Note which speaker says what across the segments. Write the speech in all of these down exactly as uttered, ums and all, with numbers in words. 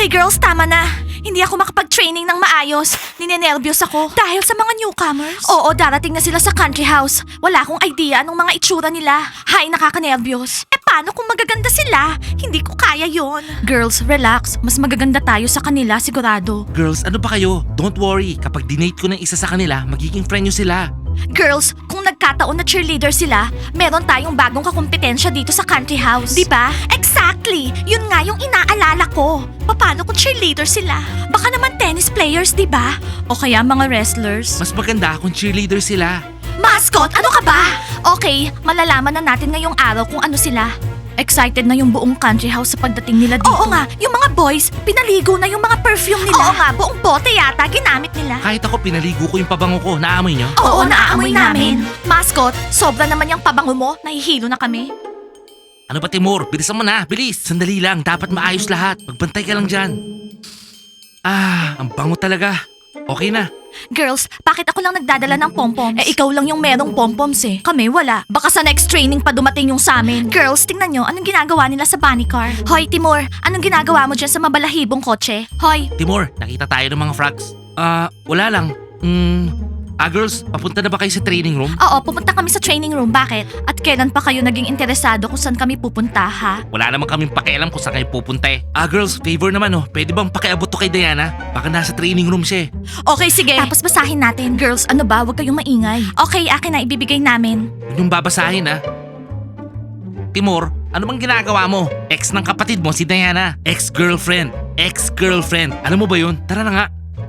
Speaker 1: Okay girls, tama na. Hindi ako makapag-training ng maayos. Ninenervyos ako. Dahil sa mga newcomers? Oo, darating na sila sa country house. Wala akong idea anong mga itsura nila. Hay, nakakanervyos. Eh paano kung magaganda sila? Hindi ko kaya yon. Girls, relax. Mas magaganda tayo sa kanila, sigurado.
Speaker 2: Girls, ano ba kayo? Don't worry. Kapag dinate ko ng isa sa kanila, magiging friend nyo sila.
Speaker 1: Girls, kung nagkataon na cheerleader sila, meron tayong bagong kakumpetensya dito sa country house. Di ba? Exactly! Yun nga yung inaalala ko. Paano kung cheerleader sila? Baka naman tennis players, di ba? O kaya mga wrestlers.
Speaker 2: Mas maganda kung cheerleader sila.
Speaker 1: Mascot, ano ka ba? Okay, malalaman na natin ngayong araw kung ano sila. Excited na yung buong country house sa pagdating nila dito. Oo nga, yung mga boys, pinaligo na yung mga perfume nila. Oo nga, buong bote yata ginamit nila.
Speaker 2: Kahit ako pinaligo ko yung pabango ko, naamoy nyo?
Speaker 1: Oo, naaamoy namin. Mascot, sobra naman yung pabango mo, nahihilo na kami.
Speaker 2: Ano ba Timur? Bilisan mo na, bilis. Sandali lang, dapat maayos lahat. Magbantay ka lang dyan. Ah, ang bango talaga. Okay na.
Speaker 1: Girls, bakit ako lang nagdadala ng pompoms? Eh, ikaw lang yung merong pompoms eh. Kami, wala. Baka sa next training pa dumating yung sa amin. Girls, tingnan nyo, anong ginagawa nila sa bunny car? Hoy, Timur, anong ginagawa mo dyan sa mabalahibong kotse? Hoy,
Speaker 2: Timur, nakita tayo ng mga frogs. Ah, wala lang. Hmm, ah girls, papunta na ba kayo sa training room?
Speaker 1: oo, pupunta kami sa training room. Bakit? At kailan pa kayo naging interesado kung saan kami pupunta, ha?
Speaker 2: Wala naman kaming pakialam kung saan kayo pupunta eh. Ah girls, favor naman oh. Pwede bang pakiabot to kay Diana? Baka nasa training room siya eh.
Speaker 1: Okay, sige. Tapos basahin natin. Girls, ano ba? Huwag kayong maingay. Okay, akin na ibibigay namin.
Speaker 2: Huwag niyong babasahin ah. Timur, ano bang ginagawa mo? Ex ng kapatid mo si Diana. Ex-girlfriend. Ex-girlfriend. Alam mo ba yun? Tara na nga.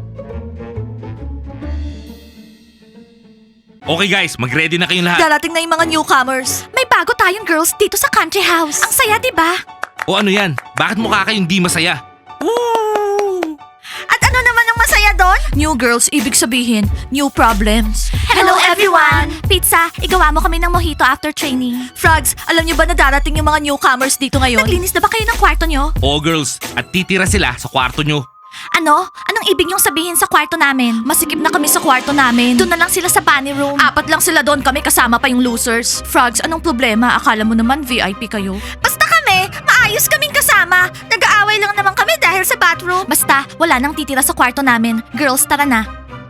Speaker 2: Okay guys, mag-ready na kayong lahat.
Speaker 1: Darating na yung mga newcomers. May bago tayong girls dito sa country house. Ang saya, di ba?
Speaker 2: O ano yan? Bakit mukha kayong di masaya? Woo!
Speaker 1: At ano naman ang masaya doon? New girls, ibig sabihin, new problems. Hello, everyone! Pizza, igawa mo kami ng mojito after training. Frogs, alam niyo ba na darating yung mga newcomers dito ngayon? Naglinis na ba kayo ng kwarto niyo?
Speaker 2: Oo girls, at titira sila sa kwarto nyo.
Speaker 1: Ano? Anong ibig niyong sabihin sa kwarto namin? Masikip na kami sa kwarto namin. Doon na lang sila sa bunny room. Apat lang sila doon, kami kasama pa yung losers. Frogs, anong problema? Akala mo naman V I P kayo. Basta kami, maayos kaming kasama. Nag-aaway lang naman kami dahil sa bathroom. Basta, wala nang titira sa kwarto namin. Girls, tara na.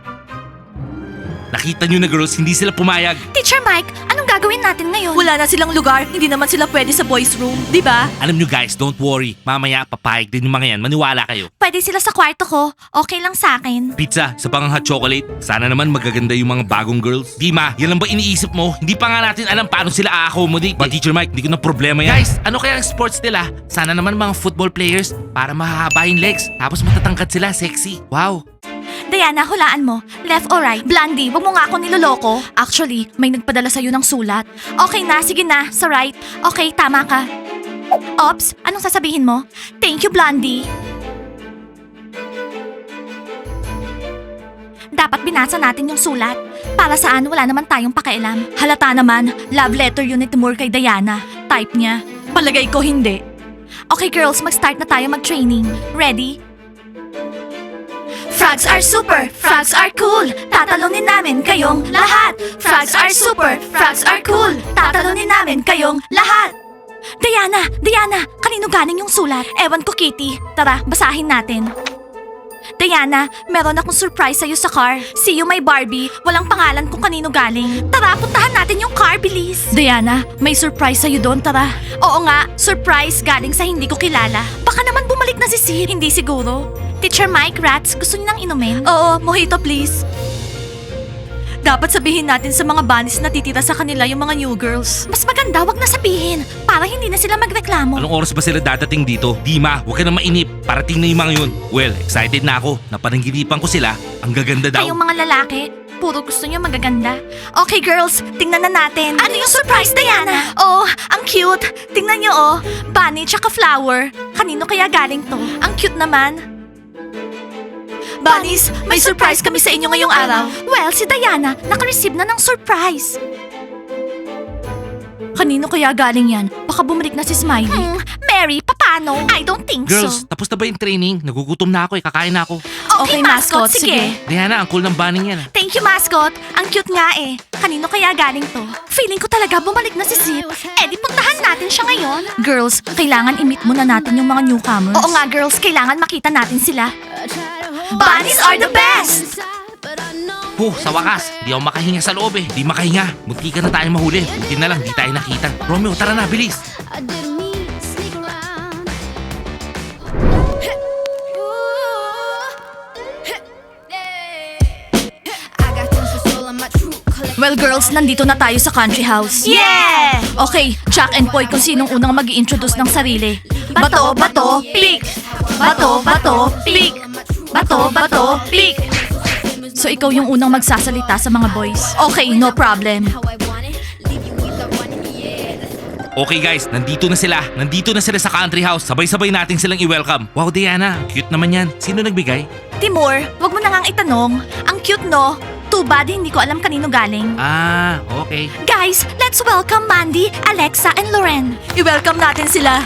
Speaker 2: Nakita nyo na girls, hindi sila pumayag.
Speaker 1: Teacher Mike, anong gagawin natin ngayon? Wala na silang lugar, hindi naman sila pwede sa boys room, di ba?
Speaker 2: Alam nyo guys, don't worry. Mamaya papayag din yung mga yan, maniwala kayo.
Speaker 1: Pwede sila sa kwarto ko, okay lang sa akin.
Speaker 2: Pizza, sa pang hot chocolate. Sana naman magaganda yung mga bagong girls. Dima, yan lang ba iniisip mo? Hindi pa nga natin alam paano sila a-accommodate. But Teacher Mike, hindi ko na problema yan. Guys, ano kaya ang sports nila? Sana naman mga football players para mahahaba yung legs. Tapos matatangkad sila, sexy. Wow.
Speaker 1: Diana, hulaan mo. Left or right? Blondie, wag mo nga ako niloloko. Actually, may nagpadala sa'yo ng sulat. Okay na, sige na, sa right. Okay, tama ka. Ops, anong sasabihin mo? Thank you, Blondie. Dapat binasa natin yung sulat. Para saan, wala naman tayong pakialam. Halata naman, love letter yun ni Timur kay Diana. Type niya. Palagay ko hindi. Okay girls, mag-start na tayo mag-training. Ready? Frogs are super, frogs are cool. Tatalunin namin kayong lahat. Frogs are super, frogs are cool. Tatalunin namin kayong lahat. Diana, Diana, kanino galing yung sulat? Ewan ko, Kitty. Tara, basahin natin. Diana, meron akong surprise sa'yo sa car. See you, my Barbie. Walang pangalan kung kanino galing. Tara, puntahan natin yung car, bilis. Diana, may surprise sa'yo doon, tara. Oo nga, surprise galing sa hindi ko kilala. Baka naman bumalik na si Sid. Hindi siguro. Teacher Mike, Rats, gusto niyo nang inumin? Oo, mojito please. Dapat sabihin natin sa mga bunnies na titira sa kanila yung mga new girls. Mas maganda, wag na sabihin. Para hindi na sila magreklamo.
Speaker 2: Anong oras ba sila dadating dito? Dima, huwag ka na mainip. Parating na yung mga yun. Well, excited na ako. Napanaginipan ko sila. Ang gaganda daw.
Speaker 1: Kayong mga lalaki, puro gusto niyo magaganda. Okay girls, tingnan na natin. Ano yung surprise, Diana? Oh, ang cute. Tingnan niyo oh. Bunny tsaka flower. Kanino kaya galing to? Ang cute naman. Bunnies, may surprise kami sa inyo ngayong araw. Well, si Diana, naka-receive na ng surprise. Kanino kaya galing yan? Baka bumalik na si Smiley. Hmm, Mary, paano? Paano? I don't think
Speaker 2: Girls,
Speaker 1: so.
Speaker 2: tapos na ba yung training? Nagugutom na ako eh, kakain na ako.
Speaker 1: Okay, mascot, sige.
Speaker 2: Diana, ang cool ng banning yan ah.
Speaker 1: Thank you, mascot. Ang cute nga eh. Kanino kaya galing to? Feeling ko talaga bumalik na si Zip. Eh di puntahan natin siya ngayon. Girls, kailangan i-meet muna natin yung mga newcomers. Oo nga, girls. Kailangan makita natin sila. Bunnies are the best!
Speaker 2: Huh, sa wakas, di ako makahinga sa loob eh. Di makahinga. Munti ka na tayo mahuli. Buti na lang, di tayo nakita. Romeo, tara na, bilis.
Speaker 1: Well, girls, nandito na tayo sa country house. Yeah! Okay, Jack and Poy kung sinong unang mag introduce ng sarili. Bato, bato, pick! Bato, bato, pick! Bato, bato, pick! So, ikaw yung unang magsasalita sa mga boys. Okay, no problem.
Speaker 2: Okay guys, nandito na sila. Nandito na sila sa country house. Sabay-sabay natin silang i-welcome. Wow, Diana, cute naman yan. Sino nagbigay?
Speaker 1: Timur, wag mo na ngang itanong. Ang cute, no? Too bad, hindi ko alam kanino galing.
Speaker 2: Ah, okay.
Speaker 1: Guys, let's welcome Mandy, Alexa, and Loren. I-welcome natin sila.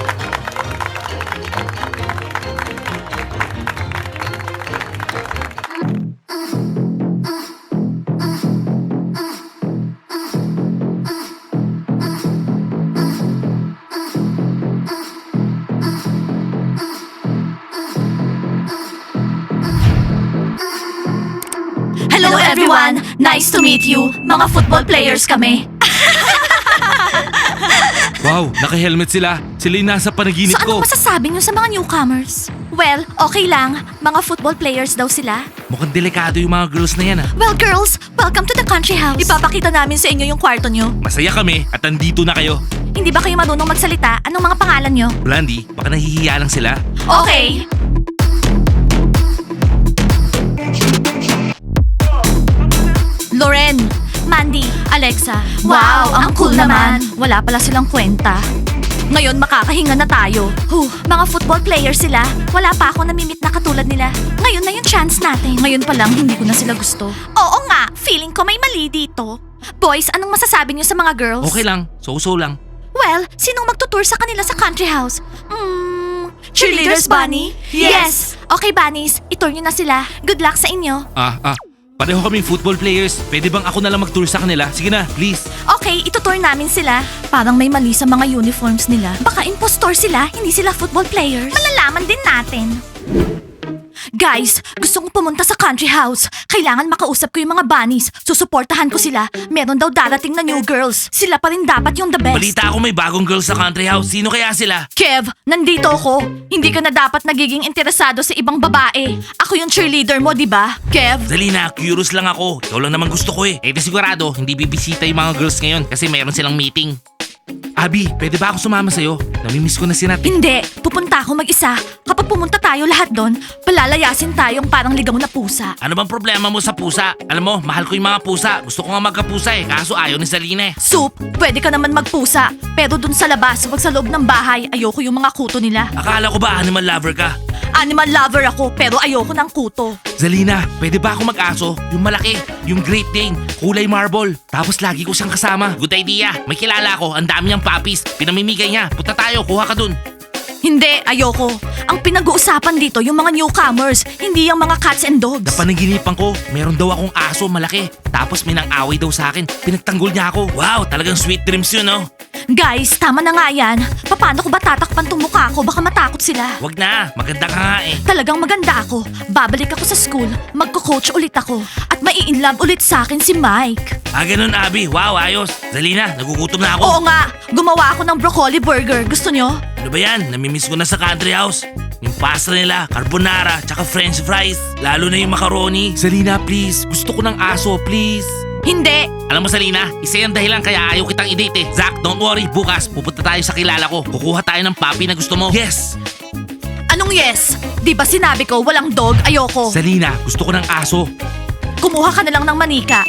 Speaker 1: Hello everyone! Nice to meet you. Mga football players kami.
Speaker 2: Wow, naka-helmet sila. Sila yung nasa panaginip
Speaker 1: So
Speaker 2: ko.
Speaker 1: anong masasabi niyo sa mga newcomers? Well, okay lang. Mga football players daw sila.
Speaker 2: Mukhang delikado yung mga girls na yan ah.
Speaker 1: Well, girls, welcome to the country house. Ipapakita namin sa inyo yung kwarto nyo.
Speaker 2: Masaya kami at nandito na kayo.
Speaker 1: Hindi ba kayo marunong magsalita? Anong mga pangalan nyo?
Speaker 2: Blandy, baka nahihiya lang sila.
Speaker 1: Okay. Loren, Mandy, Alexa. Wow, ang cool naman. Wala pala silang kwenta. Ngayon makakahinga na tayo. Huh, mga football players sila. Wala pa ako namimit na katulad nila. Ngayon na yung chance natin. Ngayon pa lang hindi ko na sila gusto. Oo nga, feeling ko may mali dito. Boys, anong masasabi niyo sa mga girls?
Speaker 2: Okay lang, so-so lang.
Speaker 1: Well, sinong magtutour sa kanila sa country house? Hmm, cheerleaders, Bunny? Yes! Okay, Bunnies, itour nyo na sila. Good luck sa inyo.
Speaker 2: Ah, ah. Pareho kaming football players. Pwede bang ako na lang mag-tour sa kanila? Sige na, please.
Speaker 1: Okay, itutour namin sila. Parang may mali sa mga uniforms nila. Baka impostor sila, hindi sila football players. Malalaman din natin. Guys, gusto kong pumunta sa country house. Kailangan makausap ko yung mga bunnies. Susuportahan ko sila. Meron daw darating na new girls. Sila pa rin dapat yung the best.
Speaker 2: Balita ako may bagong girls sa country house. Sino kaya sila?
Speaker 1: Kev, nandito ako. Hindi ka na dapat nagiging interesado sa ibang babae. Ako yung cheerleader mo, di ba? Kev?
Speaker 2: Zalina, curious lang ako. Ikaw lang naman gusto ko eh. Eh di sigurado, hindi bibisita yung mga girls ngayon kasi meron silang meeting. Abi, pwede ba ako sumama sa'yo? Namimiss ko na si Nat.
Speaker 1: Hindi, pupunta ako mag-isa. Kapag pumunta tayo lahat doon, palalayasin tayong parang ligaw na pusa.
Speaker 2: Ano bang problema mo sa pusa? Alam mo, mahal ko yung mga pusa. Gusto ko nga magkapusa eh, kaso ayaw ni Zalina eh.
Speaker 1: Soup, pwede ka naman magpusa. Pero dun sa labas, wag sa loob ng bahay, ayoko yung mga kuto nila.
Speaker 2: Akala ko ba animal lover ka?
Speaker 1: Animal lover ako, pero ayoko ng kuto.
Speaker 2: Zalina, pwede ba ako mag-aso? Yung malaki, yung Great Dane, kulay marble. Tapos lagi ko siyang kasama. Good idea. May kilala ko, ang dami niyang puppies. Pinamimigay niya. Punta tayo, kuha ka dun.
Speaker 1: Hindi, ayoko. Ang pinag-uusapan dito yung mga newcomers, hindi yung mga cats and dogs.
Speaker 2: Napanaginipan ko, meron daw akong aso malaki. Tapos may nang-away daw sa akin. Pinagtanggol niya ako. Wow, talagang sweet dreams yun, no?
Speaker 1: Guys, tama na nga yan. Paano ko ba tatakpan tong mukha ko? Baka matakot sila.
Speaker 2: Wag na, maganda ka nga eh.
Speaker 1: Talagang maganda ako. Babalik ako sa school, magko-coach ulit ako. At mai-inlove ulit sa akin si Mike.
Speaker 2: Ah, ganun, Abby. Wow, ayos. Zalina, nagugutom na ako.
Speaker 1: Oo nga, gumawa ako ng broccoli burger. Gusto nyo?
Speaker 2: Ano ba yan? Namimiss ko na sa country house. Yung pasta nila, carbonara, tsaka french fries. Lalo na yung macaroni. Zalina, please. Gusto ko ng aso, please.
Speaker 1: Hindi.
Speaker 2: Alam mo, Salina, isa yung dahilan kaya ayaw kitang i-date eh. Zach, don't worry. Bukas, pupunta tayo sa kilala ko. Kukuha tayo ng puppy na gusto mo. Yes!
Speaker 1: Anong yes? Di ba sinabi ko walang dog, ayoko.
Speaker 2: Salina, gusto ko ng aso.
Speaker 1: Kumuha ka na lang ng manika.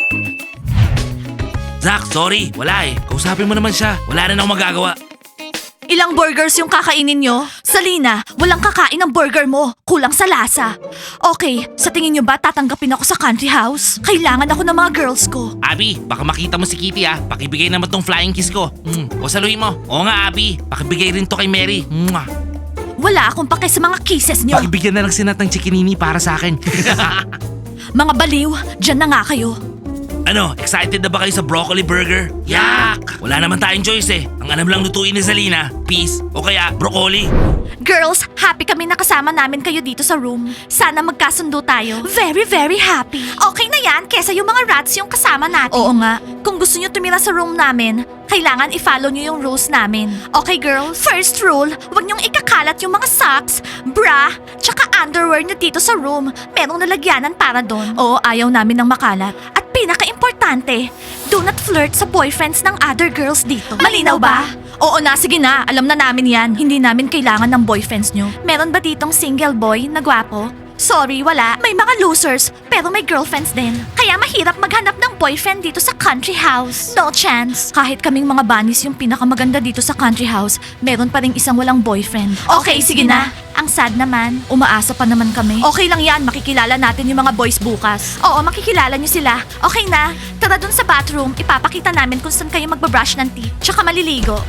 Speaker 2: Zach, sorry. Wala eh. Kausapin mo naman siya. Wala rin akong magagawa.
Speaker 1: Ilang burgers yung kakainin nyo? Salina, walang kakain ng burger mo. Kulang sa lasa. Okay, sa tingin nyo ba tatanggapin ako sa country house? Kailangan ako ng mga girls ko.
Speaker 2: Abby, baka makita mo si Kitty ah. Pakibigay naman tong flying kiss ko. Mm, o saluhin mo. Oo nga, Abby. Pakibigay rin to kay Mary. Mwah.
Speaker 1: Wala akong pake sa mga kisses nyo.
Speaker 2: Pakibigyan na lang si Nat ng chikinini para sa akin.
Speaker 1: Mga baliw, dyan na nga kayo.
Speaker 2: Ano, excited na ba kayo sa broccoli burger? Yak! Wala naman tayong choice eh. Ang alam lang lutuin ni Zalina, peas o kaya broccoli.
Speaker 1: Girls, happy kami na kasama namin kayo dito sa room. Sana magkasundo tayo. Very, very happy. Okay na yan, kesa yung mga rats yung kasama natin. Oo nga. Kung gusto nyo tumira sa room namin, kailangan i-follow nyo yung rules namin. Okay, girls? First rule, huwag nyong ikakalat yung mga socks, bra, tsaka underwear nyo dito sa room. Merong nalagyanan para doon. Oo, ayaw namin ng makalat. At pinaka-importante, do not flirt sa boyfriends ng other girls dito. Malinaw ba? Oo na, sige na. Alam na namin yan. Hindi namin kailangan ng boyfriends nyo. Meron ba ditong single boy na gwapo? Sorry, wala. May mga losers, pero may girlfriends din. Kaya mahirap maghanap ng boyfriend dito sa country house. No chance. Kahit kaming mga bunnies yung pinakamaganda dito sa country house, meron pa rin isang walang boyfriend. Okay, sige na. Ang sad naman. Umaasa pa naman kami. Okay lang yan, makikilala natin yung mga boys bukas. Oo, makikilala nyo sila. Okay na. Tara dun sa bathroom, ipapakita namin kung saan kayo magbabrush ng teeth, tsaka maliligo.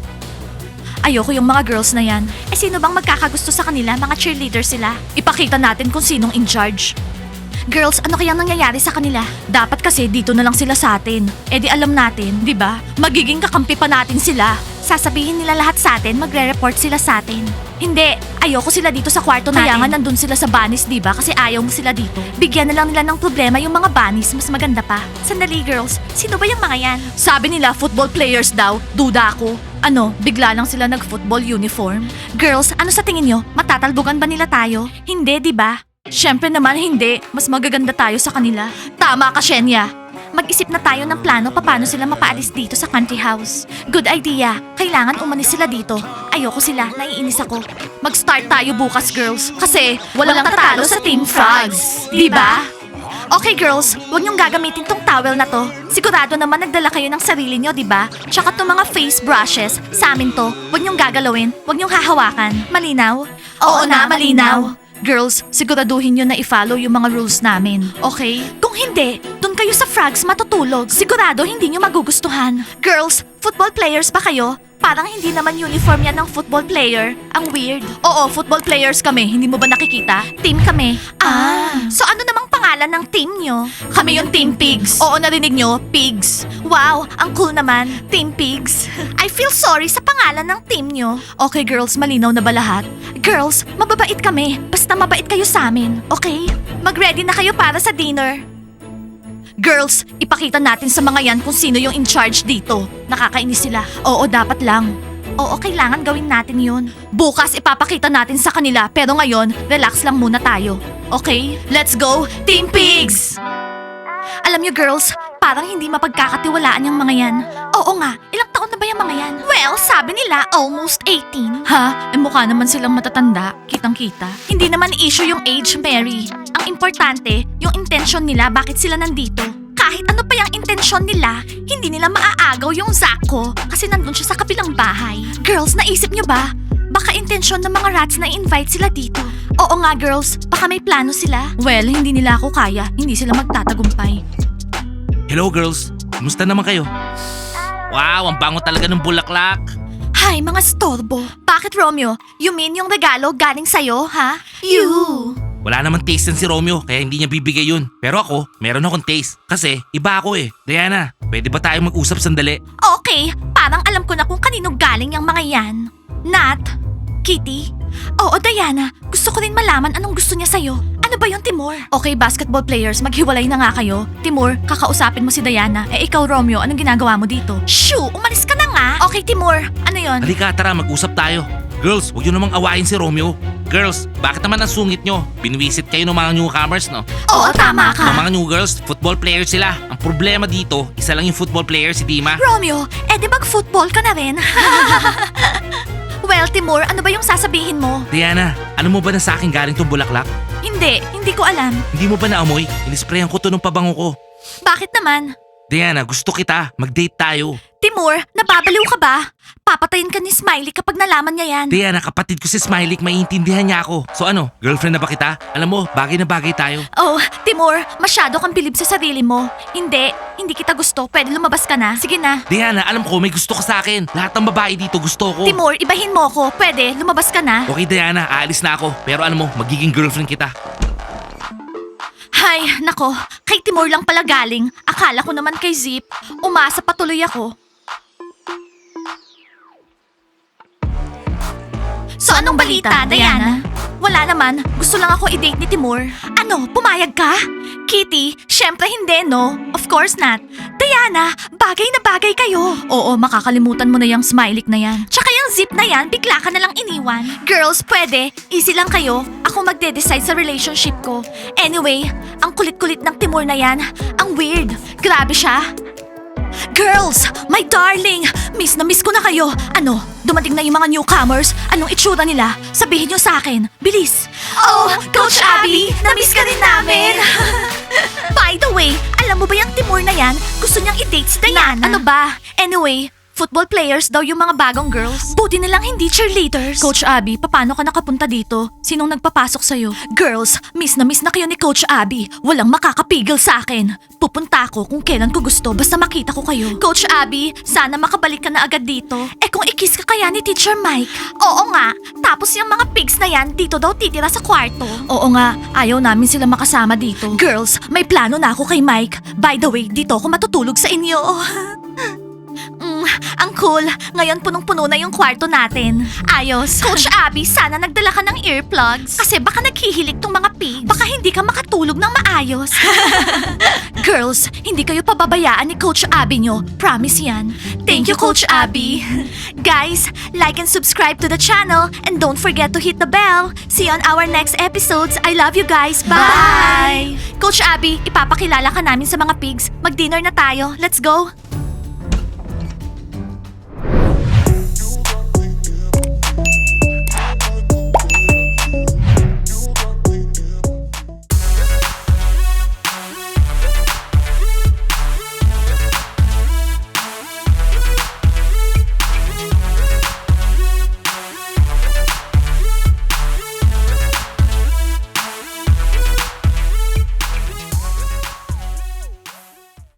Speaker 1: Ayoko yung mga girls na yan. Eh sino bang magkakagusto sa kanila? Mga cheerleader sila. Ipakita natin kung sinong in charge. Girls, ano kayang nangyayari sa kanila? Dapat kasi dito na lang sila sa atin. Eh di alam natin, di ba? Magiging kakampi pa natin sila. Sasabihin nila lahat sa atin, magre-report sila sa atin. Hindi, ayoko sila dito sa kwarto natin. Kaya nga nandun sila sa bunnies, di ba? Kasi ayaw mo sila dito. Bigyan na lang nila ng problema yung mga bunnies, mas maganda pa. Sandali girls, sino ba yung mga yan? Sabi nila football players daw, duda ako. Ano, bigla lang sila nag-football uniform? Girls, ano sa tingin nyo? Matatalbugan ba nila tayo? Hindi, di ba? Syempre naman hindi. Mas magaganda tayo sa kanila. Tama ka, Shenya. Mag-isip na tayo ng plano paano sila mapaalis dito sa country house. Good idea. Kailangan umalis sila dito. Ayoko sila, naiinis ako. Mag-start tayo bukas, girls. Kasi walang, walang tatalo sa Team Frogs. Di ba? Okay girls, huwag niyong gagamitin tong towel na to. Sigurado naman nagdala kayo ng sarili niyo, di ba? Tsaka tong mga face brushes, sa amin to. Huwag niyong gagalawin, huwag niyong hahawakan. Malinaw? Oo na, malinaw. Girls, siguraduhin niyo na i-follow yung mga rules namin, okay? Kung hindi, dun kayo sa frogs matutulog. Sigurado hindi niyo magugustuhan. Girls, football players ba kayo? Parang hindi naman uniform yan ng football player. Ang weird. Oo, football players kami. Hindi mo ba nakikita? Team kami. Ah. So ano namang pangalan ng team nyo? Kami yung Team Pigs. Oo, narinig nyo? Pigs. Wow, ang cool naman. Team Pigs. I feel sorry sa pangalan ng team nyo. Okay girls, malinaw na ba lahat? Girls, mababait kami. Basta mabait kayo sa amin. Okay? Mag-ready na kayo para sa dinner. Girls, ipakita natin sa mga yan kung sino yung in charge dito. Nakakainis sila. Oo, dapat lang. Oo, kailangan gawin natin yun. Bukas ipapakita natin sa kanila, pero ngayon, relax lang muna tayo. Okay? Let's go, Team Pigs! Alam niyo girls, parang hindi mapagkakatiwalaan yung mga yan. Oo nga, ilang taon na ba yung mga yan? Well, sabi nila almost eighteen. Ha? Eh mukha naman silang matatanda. Kitang-kita. Hindi naman issue yung age, Mary. Ang importante, yung intention nila bakit sila nandito. Kahit ano pa yung intensyon nila, hindi nila maaagaw yung Zack ko kasi nandun siya sa kabilang bahay. Girls, naisip nyo ba? Baka intensyon ng mga rats na invite sila dito. Oo nga girls, baka may plano sila. Well, hindi nila ako kaya, hindi sila magtatagumpay.
Speaker 2: Hello girls, kumusta naman kayo? Wow, ang bango talaga ng bulaklak.
Speaker 1: Hay, mga storbo. Bakit Romeo? You mean yung regalo galing sa'yo, ha? You!
Speaker 2: Wala namang taste yan si Romeo, kaya hindi niya bibigay yun. Pero ako, meron akong taste. Kasi, iba ako eh. Diana, pwede ba tayo mag-usap sandali?
Speaker 1: Okay, parang alam ko na kung kanino galing yung mga yan. Nat? Kitty? Oo, Diana. Gusto ko rin malaman anong gusto niya sa'yo. Ano ba yun, Timur? Okay, basketball players, maghiwalay na nga kayo. Timur, kakausapin mo si Diana. Eh ikaw, Romeo, anong ginagawa mo dito? Shoo! Umalis ka na nga! Okay, Timur. Ano yun?
Speaker 2: Halika, tara, mag-usap tayo. Girls, huwag yun namang awayin si Romeo. Girls, bakit naman ang sungit nyo? Binwisit kayo ng mga newcomers, no?
Speaker 1: Oo, tama ka.
Speaker 2: Ang mga new girls, football players sila. Ang problema dito, isa lang yung football player, si Dima.
Speaker 1: Romeo, eh di mag-football ka na rin? Well, Timur, ano ba yung sasabihin mo?
Speaker 2: Diana, ano mo ba na sa akin galing tong bulaklak?
Speaker 1: Hindi, hindi ko alam.
Speaker 2: Hindi mo ba naamoy? Inisprayan ko to ng pabango ko.
Speaker 1: Bakit naman?
Speaker 2: Diana, gusto kita. Mag-date tayo.
Speaker 1: Timur, nababaliw ka ba? papatayin ka ni Smiley kapag nalaman niya yan.
Speaker 2: Diana, kapatid ko si Smiley, maiintindihan niya ako. So ano, girlfriend na ba kita? Alam mo, bagay na bagay tayo.
Speaker 1: Oh, Timur, masyado kang bilib sa sarili mo. Hindi, hindi kita gusto. Pwede lumabas ka na. Sige na.
Speaker 2: Diana, alam ko may gusto ka sa akin. Lahat ng babae dito gusto ko.
Speaker 1: Timur, ibahin mo ako. Pwede, lumabas ka na.
Speaker 2: Okay Diana, aalis na ako. Pero alam mo, magiging girlfriend kita.
Speaker 1: Hay, nako, kay Timur lang pala galing. Akala ko naman kay Zip. Umasa patuloy ako. So anong balita, Diana? Wala naman, gusto lang ako i-date ni Timur. Ano, pumayag ka? Kitty, syempre hindi, no? Of course not. Diana, bagay na bagay kayo. Oo, makakalimutan mo na yung smiley na yan. Tsaka yung Zip na yan, bigla ka na lang iniwan. Girls, pwede. Easy lang kayo. Ako magde-decide sa relationship ko. Anyway, ang kulit-kulit ng Timur na yan. Ang weird. Grabe siya. Girls, my darling! Miss na miss ko na kayo. Ano, dumating na yung mga newcomers? Anong itsura nila? Sabihin nyo sa akin. Bilis! Oh, Coach Abby! Na-miss ka rin namin! By the way, alam mo ba yung Timur na yan? Gusto niyang i-date si Diana. Ano ba? Anyway, football players daw yung mga bagong girls. Buti na lang hindi cheerleaders. Coach Abby, paano ka nakapunta dito? Sinong nagpapasok sa'yo? Girls, miss na miss na kayo ni Coach Abby. Walang makakapigil sa akin. Pupunta ako kung kailan ko gusto basta makita ko kayo. Coach Abby, sana makabalik ka na agad dito. Eh kung ikis ka kaya ni Teacher Mike? Oo nga. Tapos yung mga pigs na yan dito daw titira sa kwarto. Oo nga. Ayaw namin sila makasama dito. Girls, may plano na ako kay Mike. By the way, dito ako matutulog sa inyo. Mm, ang cool. Ngayon punong-puno na yung kwarto natin. Ayos. Coach Abby, sana nagdala ka ng earplugs. Kasi baka naghihilig tong mga pigs. Baka hindi ka makatulog ng maayos. Girls, hindi kayo pababayaan ni Coach Abby nyo. Promise yan. Thank you, Coach Abby. Guys, like and subscribe to the channel and don't forget to hit the bell. See you on our next episodes. I love you guys. Bye! Coach Abby, ipapakilala ka namin sa mga pigs. Mag-dinner na tayo. Let's go.